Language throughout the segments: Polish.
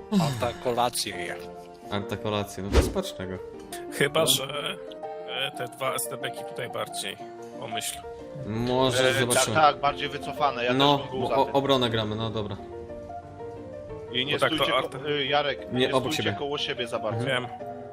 Antakolację je. Antakolację, no to spocznę go. Chyba, że te dwa STB-ki tutaj bardziej. Pomyśl. Może zobaczymy. Tak, bardziej wycofane. Ja No, też bym był bo za tym. obronę gramy, no dobra. I nie Bo tak to stójcie, Arta- Jarek, Nie, nie obok stójcie siebie. koło siebie za bardzo. Wiem.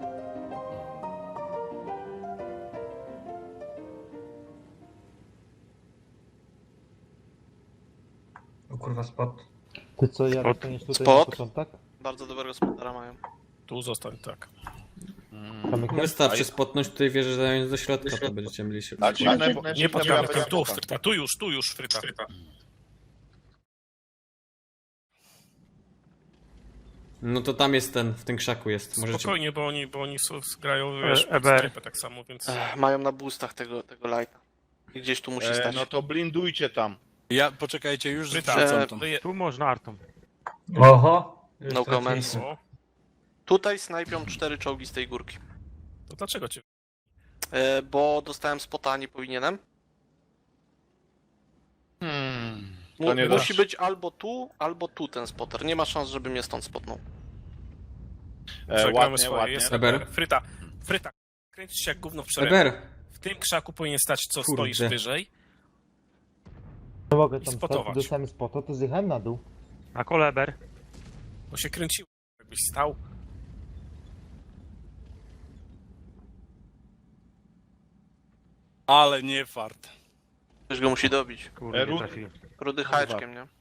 O kurwa, spot. Ty co, Jarek, to jest tutaj Spot. na początek? Bardzo dobrego spotera mają. Tu zostań, tak. Kamykiem? Wystarczy spotnąć tutaj wieżę zająć do środka, to będziecie mieli się. Tak, Nie podgramy tu, Fryta. Tu już, Fryta. No to tam jest ten, w tym krzaku jest. Możecie... Spokojnie, bo oni grają, wiesz, pod EBR. strefę tak samo, więc... Mają na boostach tego lighta. I gdzieś tu musi stać. No to blindujcie tam. Ja, poczekajcie, już Fryta, wrzucam tam. Tu można artą. Oho! Już No traciliśmy. comments. O, Tutaj snajpią 4 czołgi z tej górki. to dlaczego cię... Bo dostałem spota, a nie powinienem. To nie da. Musi być albo tu ten spotter. Nie ma szans, żeby mnie stąd spotnął. Przegramy Ładnie, swoje, ładnie. jest Eber. EBR. Fryta. Kręcisz się jak gówno w szeregu. Eber! W tym krzaku powinien stać, co Kurde. stoisz wyżej. Nie mogę tam spotować. stać, dostałem spota, to zjechałem na dół. Na koleber. Bo się kręciło, jakbyś stał. Ale nie fart. Ktoś go musi dobić. Kurde, nie Rud- trafiłem. Rudy haczkiem, nie?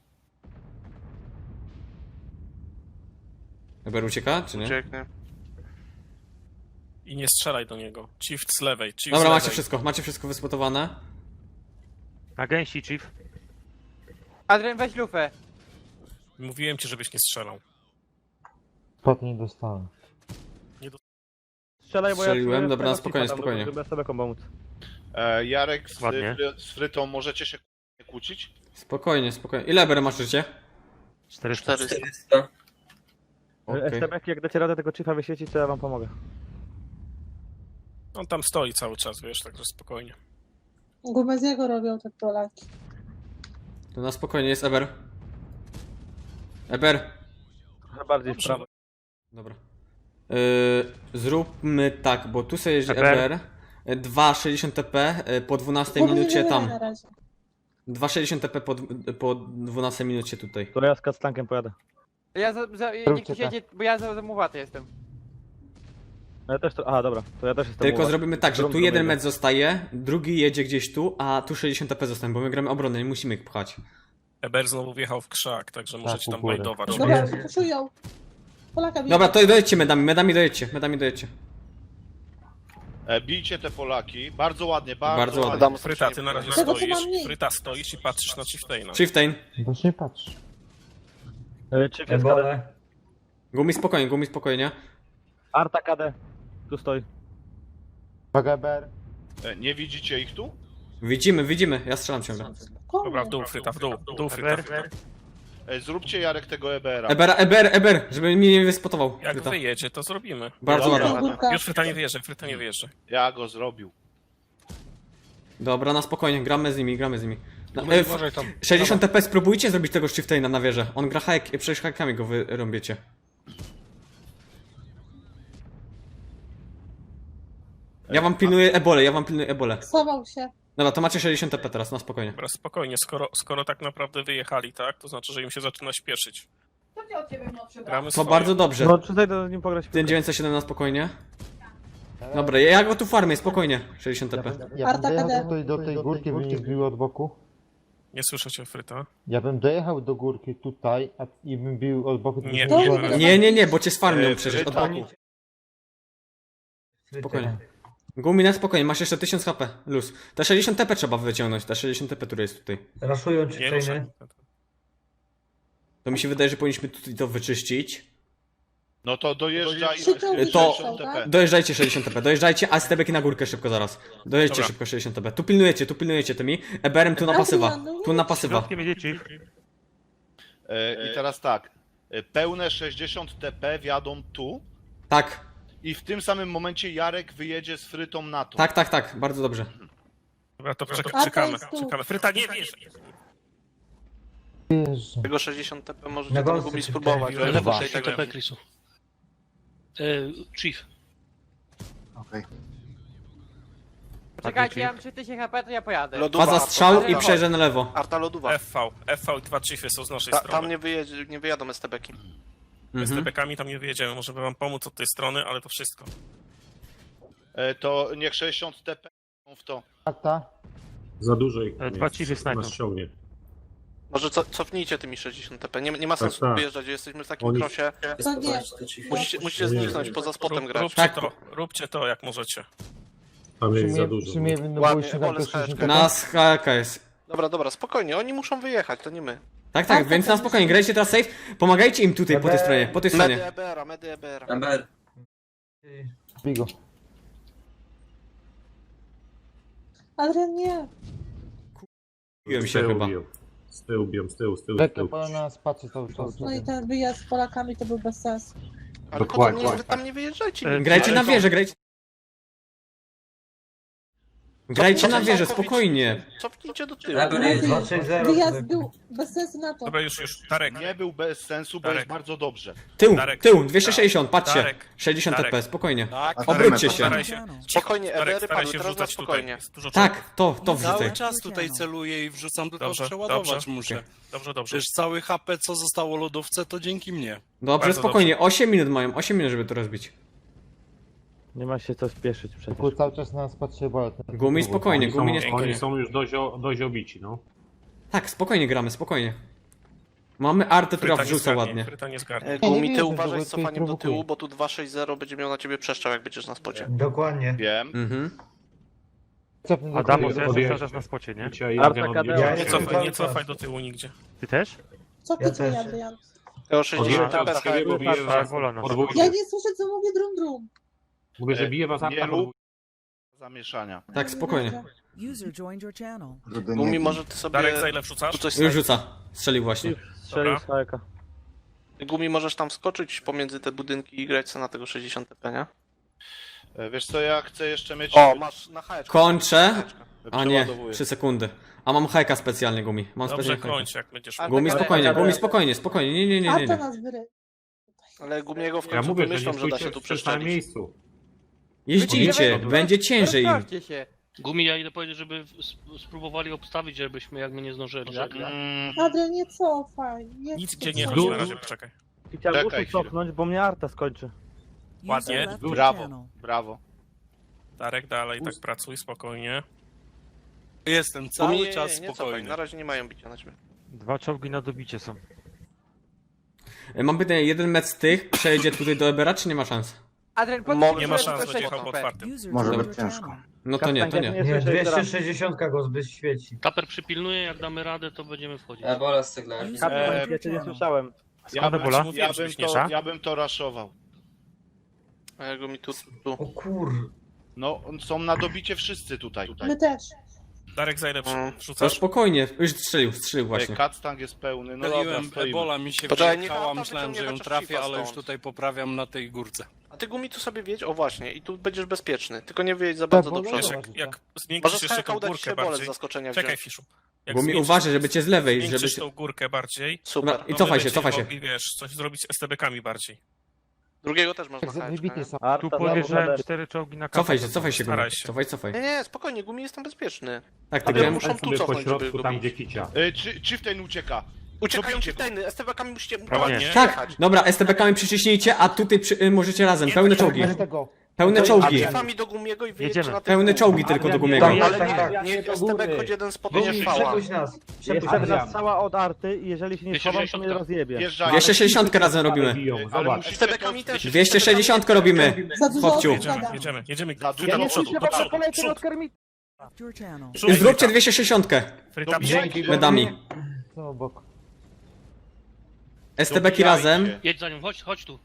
Eber ucieka, czy nie? Ucieknie. I nie strzelaj do niego. Chief z lewej, chief Dobra, z lewej. macie wszystko wyspotowane. Na gęsi, chief. Adrian, weź lufę. Mówiłem ci, żebyś nie strzelał. Spot nie dostałem. Strzelaj, bo ja Strzeliłem, czuję dobra, tego spokojnie, cifa tam, spokojnie. Żeby sobie pomóc. Jarek Ładnie. z Frytą możecie się kłócić? Spokojnie, spokojnie. Ile Eber masz życie? 400. 400. Okej. STB, jak dacie radę tego cifa wyświecić, to ja wam pomogę. On tam stoi cały czas, wiesz, także spokojnie. Gubeziego robią te Polaki. To na spokojnie jest Eber. Eber! Trochę bardziej w Dobrze. prawo. Dobra. Zróbmy tak, bo tu sobie jeździ Eber. Eber. 2,60 TP po 12 minucie tam. Na razie. 2,60 TP po 12 minucie tutaj. To ja z Kactankiem pojadę. Ja Róbcie ktoś tak. jedzie, bo ja za zamuwaty jestem. No ja też to... Aha, dobra. To ja też jestem Tylko u was. zrobimy tak, że Drugą tu jeden jedę. mecz zostaje, drugi jedzie gdzieś tu, a tu 60 TP zostanie, bo my gramy obronę, nie musimy ich pchać. Eber znowu wjechał w krzak, także możecie u tam góry. bajdować. Dobra, puszują. Polaka bije. Dobra, to dojedźcie medami dojedźcie. Bijcie te Polaki. Bardzo ładnie, Bardzo bardzo ładnie. ładnie. Dam Fryta, ty na razie Tego, co stoisz. mam mniej. Fryta, stoisz i patrzysz na Chieftaina. Chieftain. Boś nie patrz. Chief jest KD. Ebole. Gumi spokojnie. Arta KD. Tu stoi. Uwaga, BR. Nie widzicie ich tu? Widzimy, ja strzelam ciągle. Dobra, w dół Fryta, w dół Fryta. Eber. Zróbcie Jarek tego EBR-a. Eber, żeby mnie nie wyspotował. Jak Fryta. wyjedzie, to zrobimy. Bardzo Dobra. ładnie. Górka. Już Fryta nie wjeżdża. Ja go zrobił. Dobra, na spokojnie, gramy z nimi. No, Uważaj tam. 60 TP spróbujcie zrobić tego Chieftaina na wieżę. On gra hack, przecież hackami go wyrąbiecie. Ja wam pilnuję ebole. Schował się. Dobra, to macie 60 TP teraz, na spokojnie. Dobra, spokojnie, skoro tak naprawdę wyjechali, tak, to znaczy, że im się zaczyna śpieszyć. Gramy To swoje. bardzo dobrze. No tutaj do nim pograć. Ten 907 na spokojnie. Dobra, ja go tu farmię, spokojnie. 60 TP. Ja bym Arta dojechał KD. tutaj do tej górki, by mnie zbiło od boku. Nie słyszę cię, Fryta. Ja bym dojechał do górki tutaj i bym bił od boku. to Nie, by było- Nie, bo cię sfarmią przecież od boku. Spokojnie. Gumi na spokojnie, masz jeszcze 1000 HP, luz. Te 60 TP trzeba wyciągnąć, te 60 TP, które jest tutaj. Raszują Nie ruszaj. To mi się wydaje, że powinniśmy tutaj to wyczyścić. No to dojeżdża i To- 60 TP. Dojeżdżajcie 60 TP, dojeżdżajcie, a stebeki na górkę szybko zaraz. Dojedźcie Dobra. szybko 60 TP. Tu pilnujecie tymi. Eberem tu na pasywa. Tu na pasywa. Środkiem jedzie chief. I teraz tak. Pełne 60 TP wjadą tu Tak, i w tym samym momencie Jarek wyjedzie z Frytą na to. tak, bardzo dobrze. Dobra, to A to czekamy. jest tu. Fryta, nie wiesz. Jezu. Tego 60 TP Na możecie tam gąsce gubi się spróbować. wkręciłem. ale Lewo, tutaj 60 tego- TP, Chrisu. Chief. Czekajcie, ja mam 3000 HP, to ja pojadę. Lodowa, Faza Arta, strzał i Arta, przejeżdżę na lewo. Arta lodowa. FV i 2 Chiefy są z naszej Tam strony. nie wyjadą STB-ki. Z Mhm. TP-kami tam nie wyjedziemy, możemy wam pomóc od tej strony, ale to wszystko. To niech 60 TP w to. Arta. Za dużo ich Dwa Chiefy snajpią. nas ściągnie. Może cofnijcie tymi 60 TP. Nie ma sensu tak. wyjeżdżać, jesteśmy w takim Oni- krosie. To nie. Musicie zniknąć, poza spotem grać. Tak. Róbcie to jak możecie. Tam jest za dużo. Przyjmiemy, no bo Ładnie, już na wolę to skałeczkę. 60 Nas HK jest. Dobra, spokojnie, oni muszą wyjechać, to nie my. Tak, tak, więc na spokojnie, grajcie teraz safe. Pomagajcie im tutaj po tej stronie, po tej Medy stronie. EBR-a, medy EBR-a. Bigo. Adrian, nie. Kupiłem Z się tyłu chyba. biją. Z tyłu biją, z tyłu. Lekko po nas patrzy cały czas. No i ten wyjazd z Polakami to był bez sensu. Ale Dokładnie. wy tam nie wyjeżdżajcie. Grajcie na wieżę, grajcie. Grajcie na Cofnijcie wieżę, całkowicie. spokojnie. Cofnijcie do tyłu. Wyjazd był bez sensu na to. Dobra, już. Tarek. Nie był bez sensu, bo Darek. jest bardzo dobrze. Tył, Darek. tył, 260, patrzcie. Darek. 60 Darek. TP, spokojnie. Tak, Obróćcie się. Staraj się. Spokojnie, Tarek, EBR-y staraj padły, się teraz na wrzucać tutaj. spokojnie. Jest dużo czołgów. Tak, to wrzucaj. cały czas tutaj celuję i wrzucam, tylko Dobrze, przeładować dobrze. muszę. Dobrze. Przecież cały HP, co zostało lodówce, to dzięki mnie. Dobrze, Bardzo spokojnie, 8 minut mają, 8 minut, żeby to rozbić. Nie ma się co spieszyć przecież. Tylko cały czas na nas patrzy, bo... Gumi spokojnie, Oni gumi nie są, spokojnie. oni są już dość obici, no. Tak, spokojnie gramy, spokojnie. Mamy artę, która wrzuca ładnie. Fryta nie zgarnie. nie Gumi, wierzę, ty że uważaj go z tutaj cofaniem do prowokuje. tyłu, bo tu 260 będzie miał na ciebie przeszczał, jak będziesz na spocie. Dokładnie. Wiem. Mhm. Cofnę do Adamos, góry. ja Odjeżdżę. jestem cały czas na spocie, nie? Dzisiaj Arta Jagen KD. odjeżdża. Nie cofaj do tyłu nigdzie. Ty też? Co ty tu, Adrian? Tego 60 Odjeżdża TP od siebie, bo bije Tak, was wola nas. podwójnie. Ja nie słyszę, co mówi drum. Mówię, że bije was Nie Arta rób podwójnie. zamieszania. Tak, spokojnie. User joined your channel. Gumi, może ty sobie... Darek, za ile wrzucasz? tu coś Już rzuca. Strzelił właśnie. Strzelił z hajka. Gumi, możesz tam wskoczyć pomiędzy te budynki i grać sobie na tego 60 TP, nie? Wiesz co, ja chcę jeszcze mieć... O, masz na hajeczkę. Kończę. A nie, Przeładowuję. 3 sekundy. A mam hajka specjalny, gumi. Mam Dobrze, specjalny hajka. kończ, jak będziesz Ale- mógł. Gumi spokojnie, gumi spokojnie, spokojnie. Nie. Arta nas wyry. Ale Gumiego w Ja końcu mówię, że wymyślą, nie że da się stójcie tu w tym samym przeszczelić. miejscu. Jeździcie, będzie ciężej im. Rozprawcie się. Gumi, ja idę powiedzieć, żeby spróbowali obstawić, żebyśmy jak my nie zdążyli. Adrian, nie cofaj. Nic gdzie nie cofaj. chodzi na razie, poczekaj. I chciałem Czekaj uszu chwilę. cofnąć, bo mnie Arta skończy. Ładnie. User left your Brawo. channel. Brawo. Darek, dalej, tak pracuj, spokojnie. Jestem Gumi, cały nie, czas nie cofaj, spokojny. na razie nie mają bicia na ciebie. 2 czołgi na dobicie są. Mam pytanie, jeden mecz z tych przejedzie tutaj do Ebera, czy nie ma szans? Adrian, Mogę- Nie ma Tylko szans, 6 będzie jechał po HP. otwartym. User Może joined być your channel. No to nie, to nie. Nie, 260 go zbyt świeci. Kaper przypilnuje, jak damy radę, to będziemy wchodzić. User Kapitan, left ja your cię nie channel. słyszałem. Ja bym, Ebola? Mówiłem, żebyś nie szedł. ja bym to raszował. A ja Gumi tu. kur... No, są na dobicie wszyscy tutaj. My też. Darek, za ile To wrzucasz? spokojnie, już strzelił właśnie. Kactang jest pełny, no dobra, Myliłem, stoimy. Ebola mi się Poczekaj, niech wyjechała, Arta myślałem, że wyciągnie ją chociaż trafię, Chifa ale już stąd. tutaj poprawiam na tej górce. A ty Gumi tu sobie wiedź, o właśnie, i tu będziesz bezpieczny. Tylko nie wyjedź za bardzo do bo- przodu. Wiesz, jak zwiększysz Możesz jeszcze tą hajka udać górkę się bolec z bardziej. zaskoczenia Czekaj, wziąć. Fiszu. Jak Gumi zwiększysz- uważaj, żeby cię z lewej, żeby zwiększysz cię... tą górkę bardziej, Super. Dobra, i to cofaj my się, cofaj się. będziemy mogli, wiesz, coś zrobić z STB-kami bardziej. Drugiego też można Tak hajeczkę, wybity nie? są. Arta, Tu podjeżdżałem znowu 4 czołgi na Cofaj kapę. się, cofaj się, Staraj gumi. się. Cofaj. Nie, spokojnie, Gumi jestem bezpieczny. Tak, ty Ale grałem... muszą tu sobie po cofnąć, żeby środku, go tam bić. gdzie kicia. Chieftain ucieka. Uciekają Dobijcie ci go. tajny, STB-kami musicie Ładnie. Tak, dobra, STB-kami przyciśnijcie, a tutaj możecie razem, pełne czołgi. Tego. Pełne A czołgi. Chiefami do Gumiego i wyjedźcie Jedziemy. na tych Pełne dwóch. czołgi tylko do Gumiego. Niech STB choć jeden spotkanie fała. nas. Jeszcze nas cała od Arty i jeżeli się nie schowam, to mnie rozjebie. Wjeżdżają. 260 razem robimy. Biją, Ale zobacz. musicie STB-kami też. 260 robimy. Za dużo Chłopciu. osób gada. Jedziemy. Za Fryta dużo do Nie przodu, słyszę do was przodu, kolejkę przód, od Kermita. Left your channel. przód, Zróbcie 260 Fryta, Dzięki. medami. Co obok. STB-ki razem. Jedź za nią, chodź tu.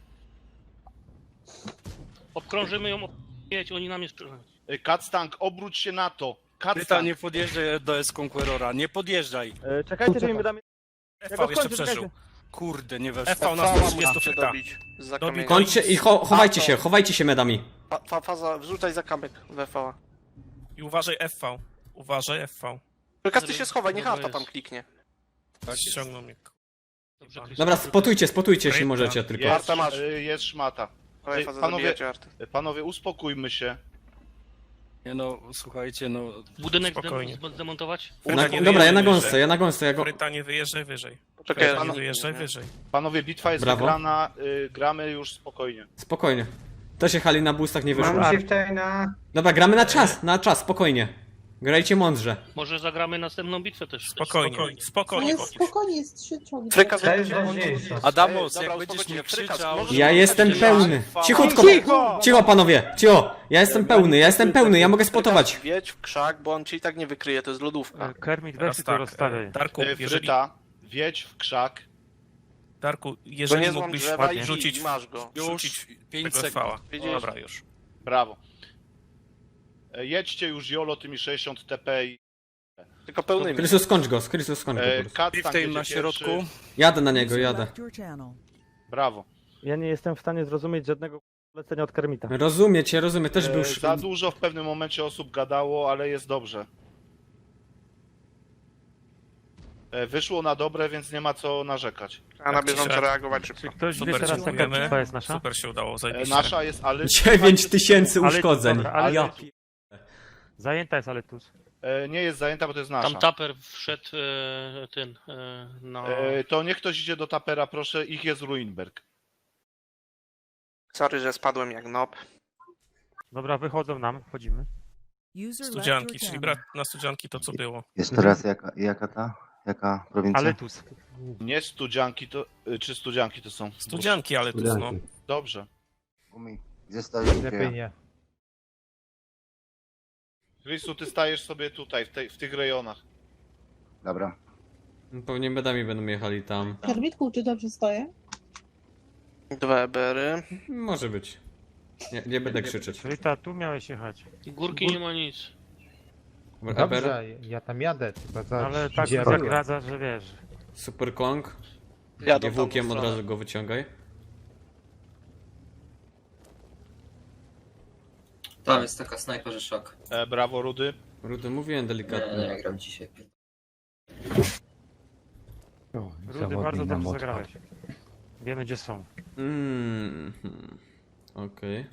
Obkrążymy ją, jedź, oni nam jest... Kactang, obróć się na to. Fryta, Kactang. nie podjeżdżaj do S-Conquerora, nie podjeżdżaj. Czekajcie, że mi wydamy... FV jeszcze przeżył. Kurde, nie weszło. FV na Fała 130 musicie fryta. dobić. Za Dobij kamieniem. Kończcie i chowajcie się medami. Faza, wrzucaj za kamyk we fała. I uważaj FV. Uważaj FV. Każdy się schowaj, niech Dobra Arta tam jest. kliknie. Ściągnął mnie. Dobrze, Chris. Dobra, spotujcie, jeśli Rybka. możecie tylko. Jest, Arta masz. jest szmata. Prawej fazy Panowie, zabijacie arty. panowie, uspokójmy się. Nie no, słuchajcie, no... Budynek Spokojnie. zdemontować? Dobra, ja na gąsce, Fryta, nie wyjeżdżaj wyżej. Poczekaj, Fryta, aż nie nie wyjeżdżaj nie? wyżej. Panowie, bitwa jest Brawo. wygrana, gramy już spokojnie. Spokojnie. To się hali na boostach nie wyszło. Mam Dobra, gramy na czas, spokojnie. Grajcie mądrze. Może zagramy następną bitwę też. Spokojnie, spokojnie. spokojnie, jest 3 czołgi. Fryka Adamos, Dobra, jak będziesz uspokójcie, mi Fryka, krzyczał... możesz- Ja jestem pełny. Cicho panowie, cicho. Ja jestem pełny, ja mogę spotować. Wiedź w krzak, bo on cię i tak nie wykryje, to jest lodówka. Kermit, Teraz weź tu rozstawiaj. Darku, jeżeli, Fryta, wiedź w krzak. Darku, To jeżeli nie złam mógłbyś drzewa i rzucić, i masz go. Już rzucić 5 tego sekund. fała. Widzisz? Dobra, już. Brawo. Jedźcie już tymi 60 TP i... Tylko pełnymi. Krysus, skończ go po prostu. Kat Piw tam tej jedzie na środku. pierwszy. Jadę na niego, User jadę. left your channel. Brawo. Ja nie jestem w stanie zrozumieć żadnego lecenia od Kermita. Rozumiem, też był... Za dużo w pewnym momencie osób gadało, ale jest dobrze. Wyszło na dobre, więc nie ma co narzekać. A na bieżąco reagować szybko. Czy ktoś wie Super, teraz jaka dziękujemy. bitwa jest nasza? Super się udało, zajebiście. Nasza jest, ale... 9000 Ale- uszkodzeń. dobra, ale- Ja Zajęta jest Aletus. Nie jest zajęta, bo to jest nasza. Tam taper wszedł no... To niech ktoś idzie do tapera, proszę. Ich jest Ruinberg. Sorry, że spadłem jak nob. Dobra, wychodzą nam, wchodzimy. User left your Studzianki, czyli channel. brat na studzianki to co było. Jeszcze raz, jaka prowincja? Aletus. Nie studzianki to... Czy studzianki to są? Studzianki, ale tu no. Studianki. Dobrze. Gdzie stoisz? Lepiej nie. Chrisu, ty stajesz sobie tutaj, w tych rejonach. Dobra. Pewnie medami będą jechali tam. Kermitku, czy dobrze stoję? 2 ebery. Może być. Nie będę krzyczeć. Rita, tu miałeś jechać. Górki nie ma nic. Eber, ja tam jadę, tylko Ale tak zagradza, że wiesz. Super Kong. Jadą Włókiem tam od razu go wyciągaj. Tam jest taka snajpa, że szok. Brawo, Rudy. Rudy, mówiłem delikatnie. gram dzisiaj. Rudy, bardzo dobrze zagrałeś. Wiemy gdzie są. Okej.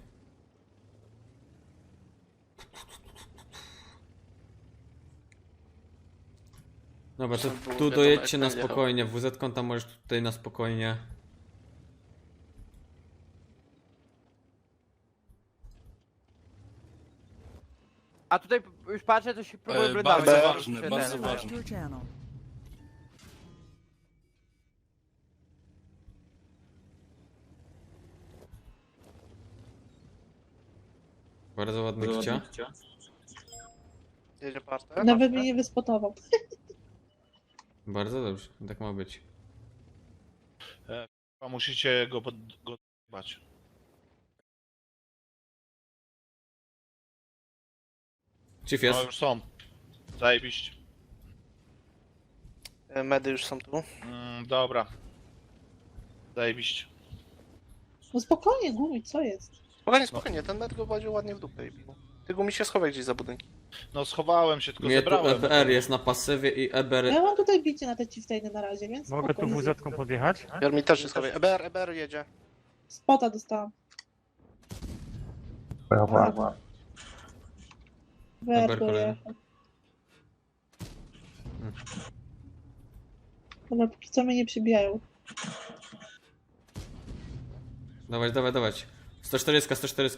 Dobra, to tu dojedźcie na spokojnie. WZ tam możesz tutaj na spokojnie. A tutaj już patrzę, to się próbuję Bardzo brydować. ważne, bardzo User left ważne. your channel. Bardzo ładny kicia. Jedzie partę. Nawet mnie nie wyspotował. Bardzo dobrze, tak ma być. Musicie go dbać. Chief No jest. już są. Zajebiście. Medy już są tu. Dobra. Zajebiście. No spokojnie, Gumi, co jest? Spokojnie, ten med go władził ładnie w dupę i bił. Ty Gumi się schowaj gdzieś za budynki. No schowałem się, tylko Mnie tu zebrałem. EBR jest na pasywie i EBR... Ja mam tutaj bicie na te chieftainy na razie, więc Mogę tu spokojnie. WZ-ką podjechać? Mi też się schowaj. EBR jedzie. Spota dostałam. Brawo. Eber Werko kolejny. jechał. Dobra, póki co mnie nie przybijają. Dawać. 140.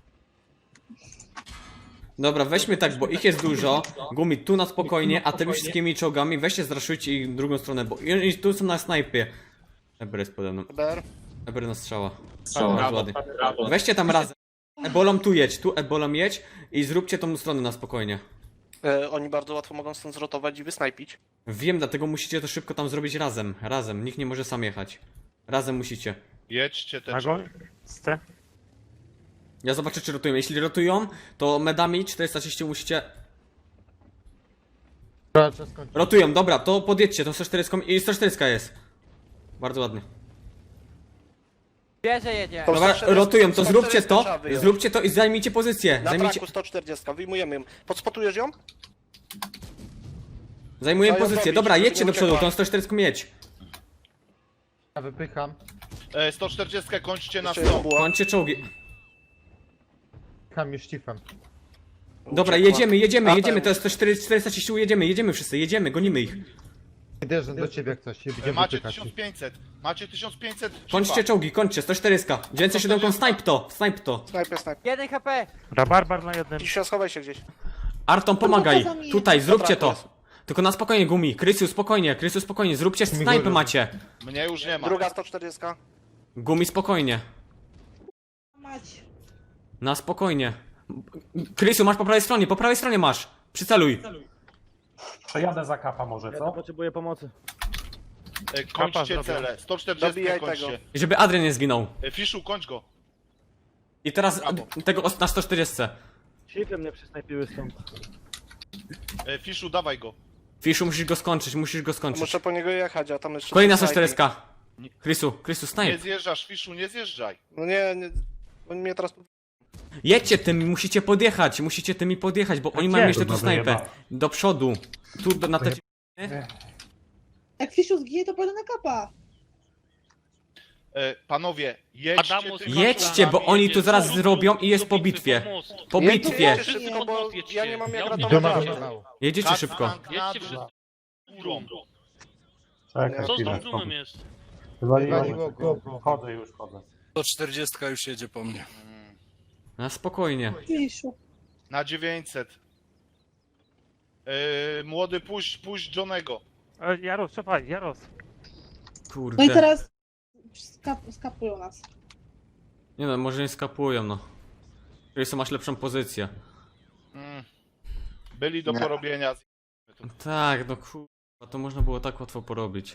Dobra, weźmy tak, bo ich jest dużo. Gumi tu na spokojnie, a tymi wszystkimi czołgami weźcie zraszujcie ich w drugą stronę, bo oni tu są na snajpie. Eber jest pode mną. Eber na strzała. Bardzo ładnie. Weźcie tam razem. Ebolą tu jedź i zróbcie tą stronę na spokojnie. Oni bardzo łatwo mogą stąd zrotować i wysnajpić. Wiem, dlatego musicie to szybko tam zrobić razem. Nikt nie może sam jechać. Razem musicie. Jedźcie te Nagoń? C? Ja zobaczę, czy rotują. Jeśli rotują, to medami 430 musicie... Rotują, dobra, to podjedźcie, to 140 i 140 jest. Bardzo ładnie. Bierze jedzie. Dobra, 140 rotują, to 140 trzeba wyjąć. zróbcie to i zajmijcie pozycję. Na Zajmijcie... traku 140, wyjmujemy ją. Podspotujesz ją? Zajmuję pozycję. Dobra, jedźcie do przodu, tą 140 jedź. Ja wypycham. 140 kończcie na 100. Kończcie czołgi. Wypycham już tifem. Dobra, jedziemy, to jest 430, jedziemy wszyscy, jedziemy, gonimy ich. Idę do ciebie jak coś. Będziemy Macie wypychać. 1500. Macie 1500. Kończcie czołgi, kończcie, 140. 907, snipe to. Snajper. 1 HP! Rabarbar na jednym. Dzisiaj schowaj się gdzieś. Arton, pomagaj. Kurwa, za Tutaj, zróbcie Dobra, to. Tylko na spokojnie, Gumi. Krysiu, spokojnie, zróbcie snajpy macie. Mnie już nie ma. Druga 140. Gumi, spokojnie. Mać. Na spokojnie. Krysiu, masz po prawej stronie masz. Przyceluj. Przejadę za kapa może, Ja tu co? potrzebuję pomocy. Kończcie zrobię. cele. 140 Dobijaj kończcie. I żeby Adrian nie zginął. Fiszu, kończ go. I teraz Brawo. tego na 140. Shiftem mnie przysnajpiły stąd. Fiszu, dawaj go. Fiszu, musisz go skończyć. Muszę po niego jechać, a tam jeszcze... Kolejna są snajpi. 140. Krysiu, Nie snipe. zjeżdżasz, Fiszu, nie zjeżdżaj. No nie, oni mnie teraz... Jedźcie tym, musicie tymi podjechać, bo oni mają jeszcze tu snajpę. Do przodu. Tu na te... Jak Fiszu zginie, to pójdę na kapa. Panowie, jedźcie Adamus, tymi Jedźcie, czołgami. bo oni tu zaraz zrobią i jest po bitwie. Po bitwie. Jedźcie szybko, bo ja nie mam jak Do ratować. Doma razie. wylało. Jedziecie szybko. Jedźcie wszyscy Górą. Czekaj, Co z chwilę. tą drumem jest? Wywaliło go. Chodzę już, chodzę. 140 już jedzie po mnie. Na spokojnie. Fiszu. Na 900. Młody, puść Johnego. Jaros, cofaj, Jaros. No i Kurde. teraz skapują nas. Nie no, może nie skapują, no. Krysiu, masz lepszą pozycję. Byli do porobienia. Tak, no kurwa, to można było tak łatwo porobić.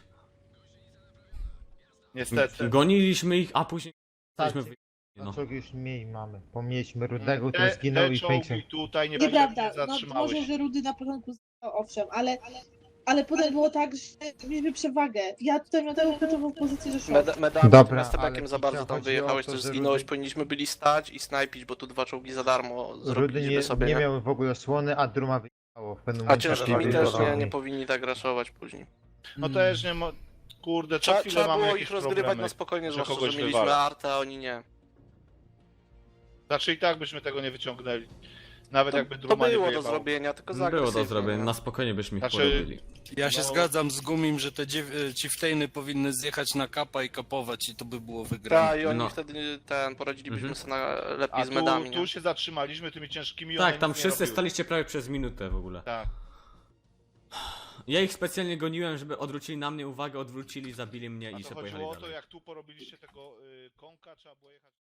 Niestety. Goniliśmy ich, a później... Tak, Jesteśmy no. no. czołgi już mniej mamy. Pomieiliśmy Rudego, to Te zginął i czołgi Fejczem. tutaj nie Nieprawda, nie no zatrzymałeś. może, że Rudy na początku zginął, owszem, ale potem było tak, że mieliśmy przewagę. Ja tutaj miałem taką kluczową pozycję, że szok. Medami Dobra, z tebekiem ale za bardzo chodzi tam o wyjechałeś, to, też że zginąłeś, Rudy- powinniśmy byli stać i snajpić, bo tu 2 czołgi za darmo Rudy zrobiliśmy nie, sobie, nie nie? miał w ogóle słony, a Druma wyjechało w pewnym A momencie. ciężkimi Wyjechali też do nie powinni tak raszować później. No też nie kurde, co chwilę Trzeba mamy było jakieś ich rozgrywać problemy, na spokojnie, że zwłaszcza, kogoś że mieliśmy wywala. artę, a oni nie. Znaczy i tak byśmy tego nie wyciągnęli. Nawet jakby To Druma nie było do wyjebał. zrobienia, tylko za Było do agresywnie, zrobienia, no. na spokojnie byśmy ich Znaczy- porobili. Ja się No. zgadzam z Gumim, że te chieftainy powinny zjechać na kapa i kapować i to by było wygrane. Tak, i oni No. wtedy poradzilibyśmy sobie lepiej A z medami, tu nie? się zatrzymaliśmy tymi ciężkimi. Tak, one tam nic nie wszyscy robiły. staliście prawie przez minutę w ogóle. Tak. Ja ich specjalnie goniłem, żeby odwrócili na mnie uwagę, odwrócili, zabili mnie A i to się chodziło pojechali o to, dalej. jak tu porobiliście tego konka, trzeba było jechać.